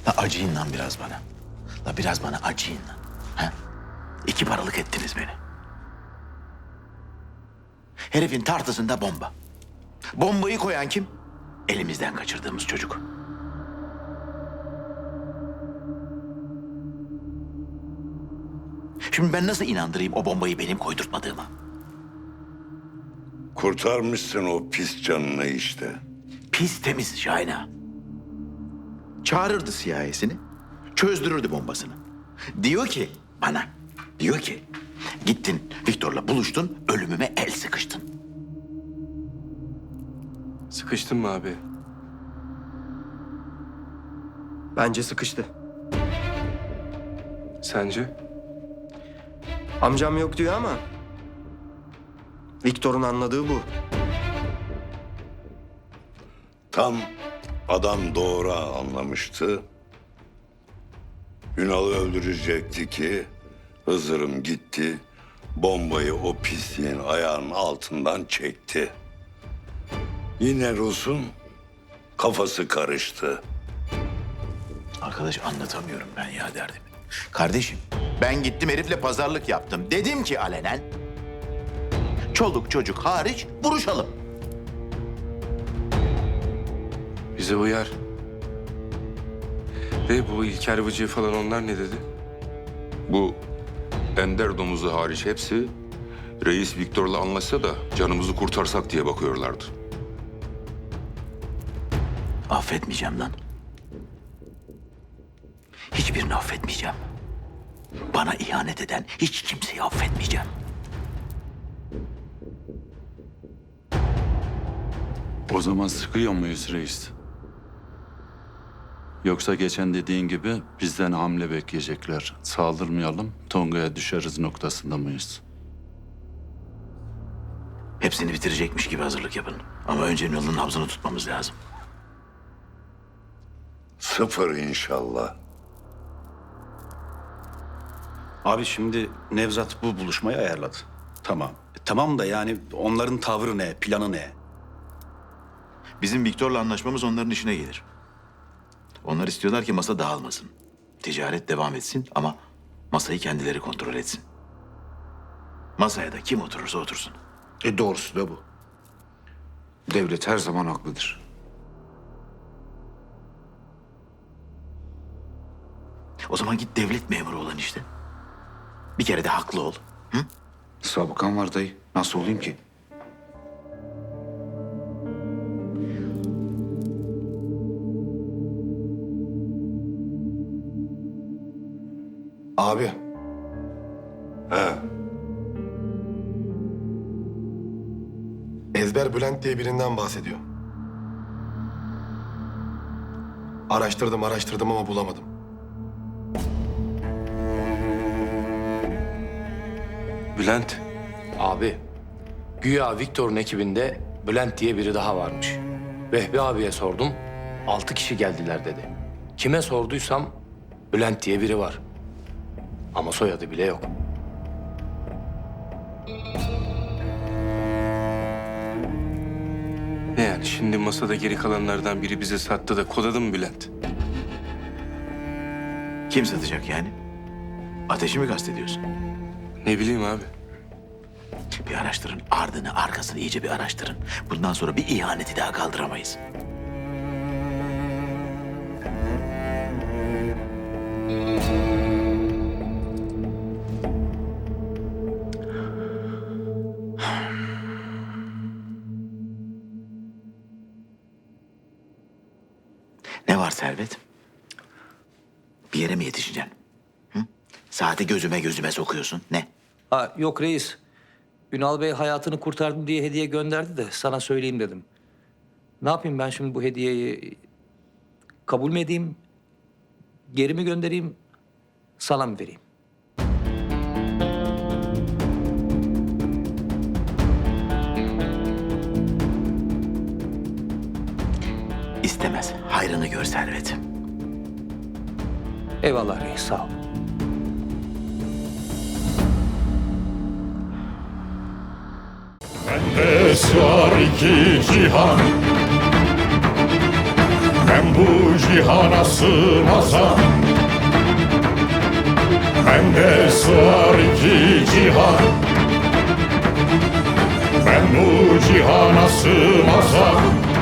La acıyın lan biraz bana. La biraz bana acıyın lan. Ha? 2 paralık ettiniz beni. Herifin tartısında bomba. Bombayı koyan kim? Elimizden kaçırdığımız çocuk. Şimdi ben nasıl inandırayım o bombayı benim koydurtmadığıma? Kurtarmışsın o pis canını işte. Pis temiz Şahin ağa. Çağırırdı CIA'sini, çözdürürdü bombasını. Diyor ki bana, diyor ki gittin Viktor'la buluştun, ölümüme el sıkıştın. Sıkıştın mı abi? Bence sıkıştı. Sence? Amcam yok diyor ama Viktor'un anladığı bu. Tam adam doğru anlamıştı. Ünal'ı öldürecekti ki Hızır'ım gitti. Bombayı o pisliğin ayağının altından çekti. Yine Rus'un kafası karıştı. Arkadaş anlatamıyorum ben ya derdim. Kardeşim ben gittim herifle pazarlık yaptım. Dedim ki alenen çoluk çocuk hariç vuruşalım. Bize uyar. Ve bu İlker Vıcı falan onlar ne dedi? Bu ender domuzu hariç hepsi reis Viktor'la anlaşsa da canımızı kurtarsak diye bakıyorlardı. Affetmeyeceğim lan. Hiçbirini affetmeyeceğim. Bana ihanet eden hiç kimseyi affetmeyeceğim. O zaman sıkıyor muyuz reis? Yoksa geçen dediğin gibi bizden hamle bekleyecekler. Saldırmayalım, Tonga'ya düşeriz noktasında mıyız? Hepsini bitirecekmiş gibi hazırlık yapın. Ama önce Ünal'ın nabzını tutmamız lazım. 0 inşallah. Abi şimdi Nevzat bu buluşmayı ayarladı. Tamam. Tamam da yani onların tavrı ne, planı ne? Bizim Viktor'la anlaşmamız onların işine gelir. Onlar istiyorlar ki masa dağılmasın. Ticaret devam etsin ama masayı kendileri kontrol etsin. Masaya da kim oturursa otursun. Doğrusu da bu. Devlet her zaman haklıdır. O zaman git devlet memuru olan işte. Bir kere de haklı ol. Hı? Sabıkan var dayı. Nasıl olayım ki? Abi. He. Ezber Bülent diye birinden bahsediyor. Araştırdım ama bulamadım. Bülent. Abi, güya Viktor'un ekibinde Bülent diye biri daha varmış. Vehbi abiye sordum, 6 kişi geldiler dedi. Kime sorduysam Bülent diye biri var. Ama soyadı bile yok. Ne yani şimdi masada geri kalanlardan biri bize sattı da kodadı mı Bülent? Kim satacak yani? Ateşi mi kastediyorsun? Ne bileyim abi. Bir araştırın. Ardını, arkasını iyice bir araştırın. Bundan sonra bir ihaneti daha kaldıramayız. Ne var Servet? Bir yere mi yetişeceksin? Hı? Saati gözüme sokuyorsun. Ne? Ha, yok reis. Ünal Bey hayatını kurtardım diye hediye gönderdi de sana söyleyeyim dedim. Ne yapayım ben şimdi bu hediyeyi? Kabul mü edeyim? Geri mi göndereyim? Sana mı vereyim? İstemez. Hayrını gör Servet. Eyvallah reis, sağ ol. Bende sığar iki cihan. Hem bu cihana sığmazam. Bende sığar iki cihan. Ben bu cihana sığmazam.